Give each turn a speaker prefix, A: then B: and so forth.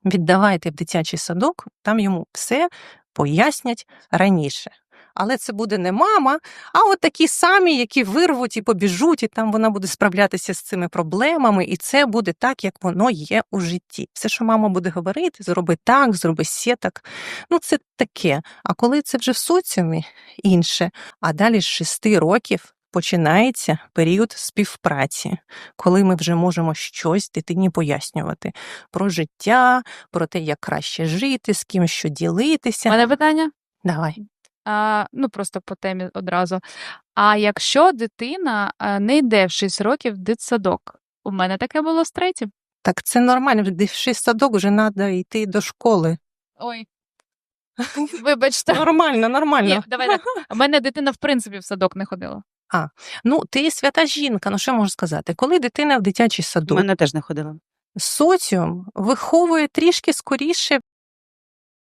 A: віддавайте в дитячий садок, там йому все пояснять раніше. Але це буде не мама, а от такі самі, які вирвуть і побіжуть, і там вона буде справлятися з цими проблемами, і це буде так, як воно є у житті. Все, що мама буде говорити, зроби так, зроби сє так, це таке. А коли це вже в соціумі, інше. А далі з 6 років починається період співпраці, коли ми вже можемо щось дитині пояснювати про життя, про те, як краще жити, з ким що
B: У
A: ділитися.
B: мене питання?
A: Давай.
B: Просто по темі одразу. А якщо дитина не йде в 6 років в дитсадок? У мене таке було з 3-м.
A: Так це нормально, в 6 садок вже треба йти до школи.
B: Ой, вибачте.
A: Нормально.
B: Ні, давай так. У мене дитина, в принципі, в садок не ходила.
A: Ти свята жінка, що можу сказати? Коли дитина в дитячий
C: У
A: садок,
C: мене теж не ходила.
A: соціум виховує трішки скоріше